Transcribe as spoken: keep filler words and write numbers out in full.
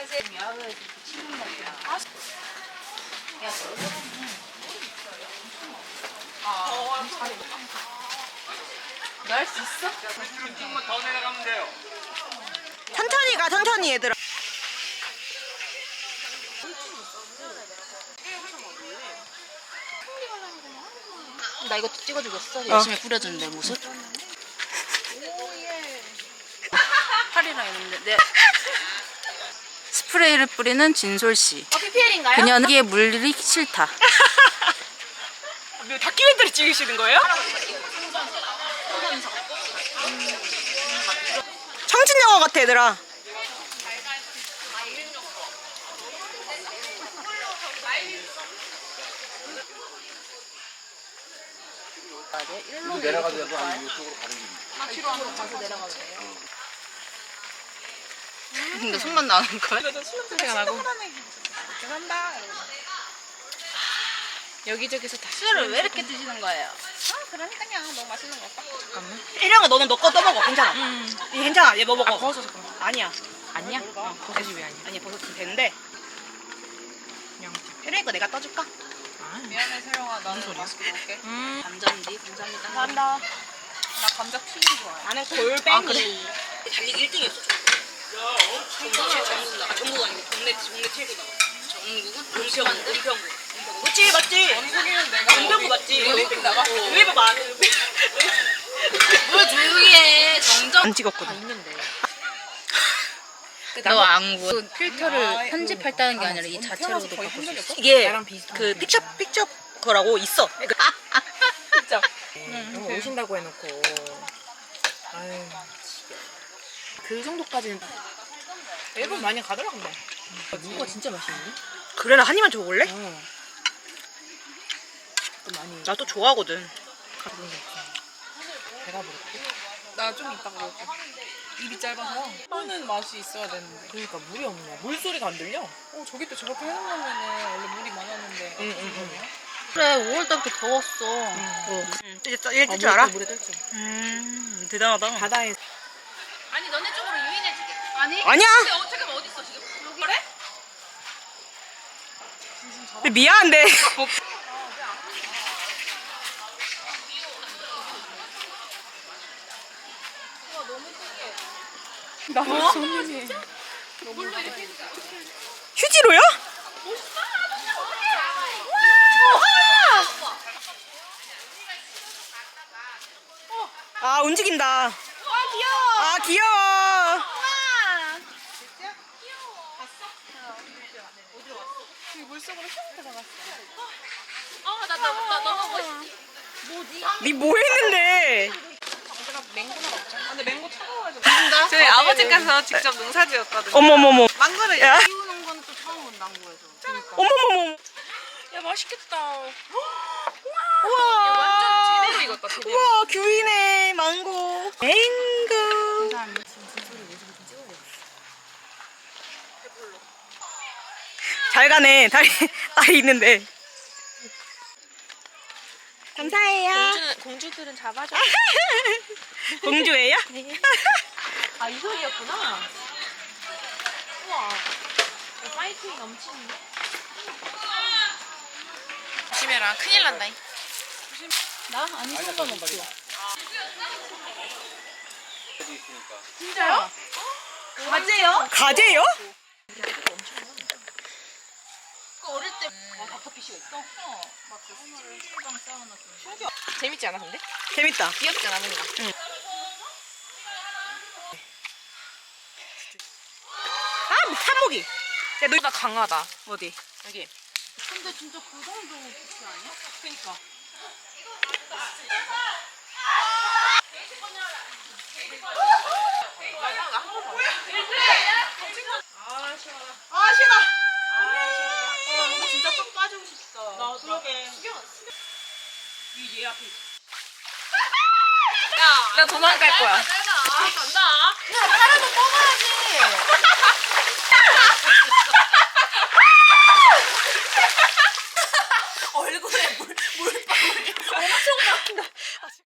날 수 있어? 조금만 더 내려가면 돼요. 천천히 가, 천천히 얘들아. 나 이거 찍어주겠어? 열심히 뿌려주는 내 모습? 팔이랑 있는데 내 스프레이를 뿌리는 진솔씨. 어, 피피엘인가요? 그녀는 물이 싫다. 다큐멘터리 찍으시는 거예요? 청춘 영화 같아, 얘들아. 이거 내려가도 되고 아니면 이쪽으로 가는 게 근데 손만 나는 거야? 냄새가 나고. 여기저기서 다 술을 왜 이렇게 드시는 거예요? 혜령아, 너는 너 거 떠먹어. 괜찮아. 음. 얘 괜찮아. 얘 뭐 먹어? 버섯 잠깐만. 아니야. 아니야? 어, 버섯이 왜 아니야? 아니야, 버섯 좀 되는데. 혜령이 거 내가 떠줄까? 미안해 세영아 나는 맛있게 먹을게. 음. 감자인데 감사합니다. 감사합니다. 나 감자 튀김 좋아해. 나는 골뱅이. 아, 그래? 달리기 일 등이었어. 전국 최 전국 나 전국 아니고 국내 국내 최고다. 전국은 은평구 은평구. 그치 맞지? 원숭이는 내가 은평구 맞지? 올림픽 나갔어. 왜 봐봐. 뭘 조용히 해. 정정. 안 찍었거든. 있는데. 너 안구 그 필터를 편집했다는 게 아니라 이 자체로도 바꿀 수 있어? 이게 그 픽처 픽처 거라고 있어. 진짜. 너무 오신다고 해놓고. 아유. 그 정도까지는 일본 많이 가더라 근데. 누가 진짜 맛있는데? 그래 나 한 입만 줘볼래? 어. 또 많이 나 또 좋아하거든. 배가 부르고. 나 좀 이따가 먹을게. 입이 짧아서. 하는 맛이 있어야 되는데. 그러니까 물이 없네. 물 소리가 안 들려. 어 저기 또 저렇게 해놓으면은 원래 물이 많았는데. 응, 응, 응. 그래 오월 달부터 더웠어. 응. 이제 얘뜰 줄 알아? 물에 떨죠. 음 대단하다. 바다에 아니 너네 쪽으로 유인해주게. 아니? 아니야. 근데 어, 잠깐만 어디 있어 지금? 여기 그래? 근데 미안한데. 나도 손님이. 휴지로요? 아 움직인다. 아 귀여워. 아 귀여워. 어나 나 너무 멋있어. 니 뭐 했는데? 근데 맹고 차가워가지고. 저희 아버지께서 직접 농사지었거든요. 어머머머. 망고를 야. 키우는 건 또 처음 본 당구에서. 어머머머. 야 맛있겠다. 우와. 완전 제대로 익었다 제대로. 우와 귤이네. 망고. 맹고. 잘 가네. 다리 다리 있는데. 감사해요. 공주는, 공주들은 잡아줘. 공주예요? 아 이 소리였구나. 우와. 파이팅이 넘치는데? 조심해라. 큰일 난다. 나 아니 상관없어. 진짜요? 가재요? 가재요? 그 어릴 때 아, 닥터피쉬가 있어? 어. 막그 술방 쌓아놨어. 재밌지 않아 근데? 재밌다. 귀엽지 않아 뭔가? 아 산모기. 야, 너 나 강하다. 어디? 여기. 근데 진짜 그 정도 피쉬 아니야? 그니까. 아 시원하. 아 시원하. 아 이거 진짜 쏙 빠지고 싶다. 나 그러게. 이 얘 앞에. 나 도망갈 거야. 짧아. 간다. 하나도 뽑아야지.